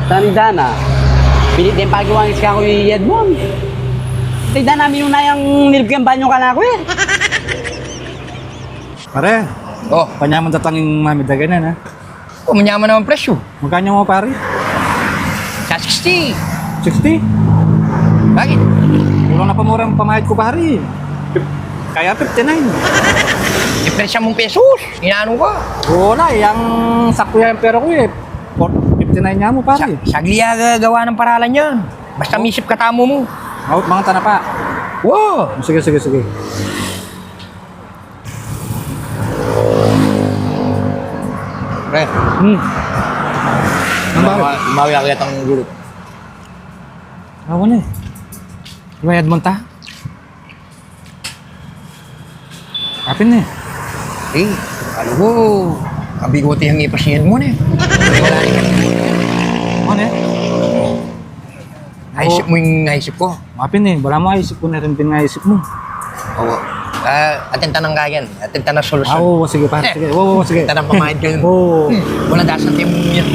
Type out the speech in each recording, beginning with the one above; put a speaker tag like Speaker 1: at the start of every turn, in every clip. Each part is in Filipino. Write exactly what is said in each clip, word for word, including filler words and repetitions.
Speaker 1: Tani Dana. Pilit din pagawangis ka ko yung Edmond. Tignan namin yung nayang nilibigyan banyo ka na ako eh.
Speaker 2: Pare,
Speaker 3: Oh,
Speaker 2: panyaman tatanging mami daganan ha.
Speaker 3: oh manyaman naman presyo.
Speaker 2: Magkano mo pare?
Speaker 3: Sa sixty.
Speaker 2: sixty?
Speaker 3: Bakit?
Speaker 2: Kulang na pa murang pamahid ko pare. Kaya fifty-nine.
Speaker 3: Ipresya mong pesos. Inaano ka?
Speaker 2: Oo na, yung sakto yung pera ko eh. fifty-nine nga mo
Speaker 3: Sa,
Speaker 2: pare.
Speaker 3: sagli aga gawa ng paralan yan. Basta misip katamo mo.
Speaker 2: Out mga tanapa.
Speaker 3: Wow!
Speaker 2: Sige, sige, sige.
Speaker 3: Pre,
Speaker 2: Hmm. Ang bakit?
Speaker 3: umawi ako yatang gulot.
Speaker 2: Ako na eh. Ibayad mo ta? Kapin na eh.
Speaker 3: Eh, ano ko? Kabigote ang ipasiyad mo na eh. Wala rin.
Speaker 2: Ano eh?
Speaker 3: Naisip mo yung naisip ko.
Speaker 2: Kapin eh. Wala mo isip ko na rin pinaisip mo.
Speaker 3: Oo. Ah, atenta ng gayan. Atenta ng
Speaker 2: Ah,
Speaker 3: solusyon.
Speaker 2: oo, sige pare. Sige. Oo, oo, sige.
Speaker 3: Atenta ng pamahid ko yun.
Speaker 2: Oo.
Speaker 3: Wala dasan tayo mo yan.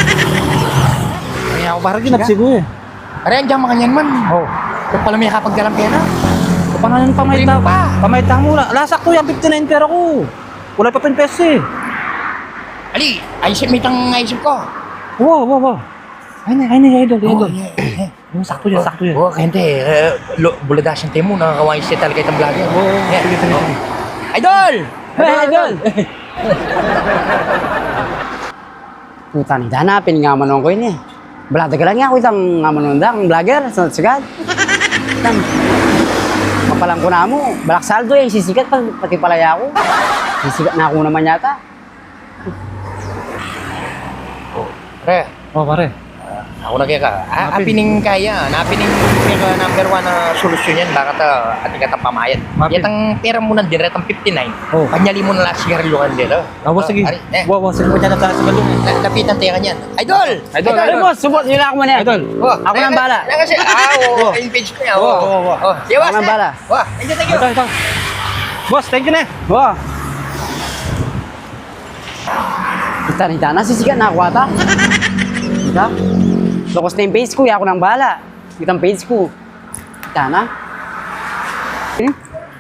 Speaker 2: Kaya ako parang ginapsi ko eh.
Speaker 3: Aray, andiyan makanyan man.
Speaker 2: Oo.
Speaker 3: Kung pala may kapag dalang pera.
Speaker 2: Kapangalan pamayta
Speaker 3: Primo pa.
Speaker 2: Pamayta mo. Lasak ko yung fifty-nine pera ko. Wala pa pin pesos eh.
Speaker 3: Ali, ayisip mo itang naisip ko.
Speaker 2: Wow, wow, wow. Ay na, ay na, idol, idol.
Speaker 3: yeah, yeah.
Speaker 2: Yung sakto yan, sakto yan.
Speaker 3: Oo, hindi. Uh, buladasan tayo mo. Nakakawain siya talaga itang vlogger.
Speaker 2: Oo,
Speaker 3: Yeah.
Speaker 2: sige, sige, sige.
Speaker 3: Idol!
Speaker 1: Hey, idol! Puta ni Dana, piningamanon ko yun eh. Balada ka lang nga ako itang ngamanon da, ang vlogger, sa sigat. Tam, mapalang ko na mo, balak saldo eh, sisikat pati, pati palaya ako. Sisikat na ako naman yata.
Speaker 3: Pre,
Speaker 2: Oh, pare.
Speaker 3: ako na kaya ka. Ah,
Speaker 2: Napin.
Speaker 3: apining kaya. Napining kaya number one na solusyon yan. Bakit uh, ating katang pamayad.
Speaker 2: Napin.
Speaker 3: Yatang pera mo na direct ang fifty-nine.
Speaker 2: Oh.
Speaker 3: Kanyali mo na lang sigarilyo kan nila.
Speaker 2: Ah, wow, sige.
Speaker 3: Ari, eh,
Speaker 2: Wow, wow, sige. Pwede na tayo sa balong.
Speaker 3: la- lapitan tayo kanyan. Idol!
Speaker 2: Idol,
Speaker 1: Ay,
Speaker 2: idol.
Speaker 1: boss, support nila ako man yan.
Speaker 2: Idol.
Speaker 3: Oh,
Speaker 1: Ako nang bala.
Speaker 3: Na kasi, ah, oo, yung page ko niya.
Speaker 2: Oh,
Speaker 3: Oo,
Speaker 2: oh, oh.
Speaker 3: Oh, sige, boss.
Speaker 1: Ako nang
Speaker 3: eh.
Speaker 1: bala.
Speaker 3: Wah, thank you, thank you.
Speaker 2: Ito, ito. Boss, thank you na.
Speaker 1: Wow. Puta ni Dana, sisikat na ako ata. Diba? Lokos na yung page ko, ako nang bala. Itang page ko. Dana. Hmm?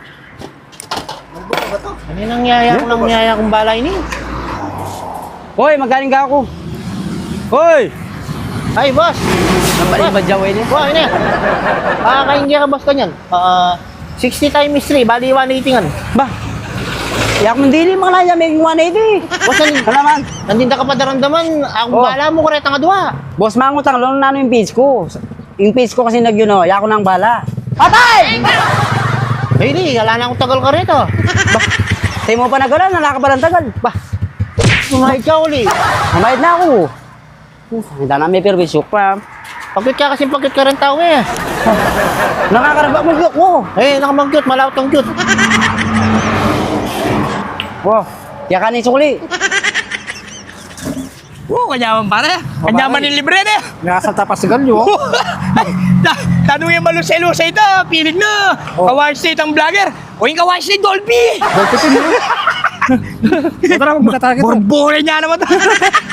Speaker 4: Ano yung nangyaya ko nangyaya kong balay ni?
Speaker 1: Hoy, magaling ka ako. Hoy!
Speaker 4: Ay, boss!
Speaker 1: Nabalik ba dyan, Wayne?
Speaker 4: Boss, ano yan? Ah, kaingya ka, boss, kanyan. Ah, sixty times three, bali one eighty nga.
Speaker 1: Ba? Yak mo dili mga laya, may one eighty.
Speaker 4: Boss, nan
Speaker 1: Kalaman.
Speaker 4: nandinda ka pa daramdaman. Ako
Speaker 1: Oh.
Speaker 4: bala mo, kureta nga duwa.
Speaker 1: Boss, mangutang, lalo na ano yung page ko. Yung page ko kasi nag-yun, oh, yak ko nang bala. Patay!
Speaker 4: Ay, di, wala na akong tagal ka rito.
Speaker 1: Ba? Sa'yo mo pa nagalan, nalaka pa ng tagal. Ba?
Speaker 4: Sumahid ka uli.
Speaker 1: Mamayad na ako. Hindi na may perwisyo pa.
Speaker 4: Pagkit ka kasi pagkit ka rin tao eh.
Speaker 1: Nakakarabak mo yung ko.
Speaker 4: Eh, nakamagyot, malawat ang gyot.
Speaker 1: Wow, yak ka ni sukli.
Speaker 3: Oo, kanyaman pare. Kanyaman ni libre na.
Speaker 2: Nakasalta pa sa galyo.
Speaker 3: Tanong yung malusay-lusay ito. Pilig na.
Speaker 2: Oh.
Speaker 3: Kawain state ang vlogger. O yung kawain state Dolphy.
Speaker 2: Ito na, magkatagit.
Speaker 3: Borbore niya naman.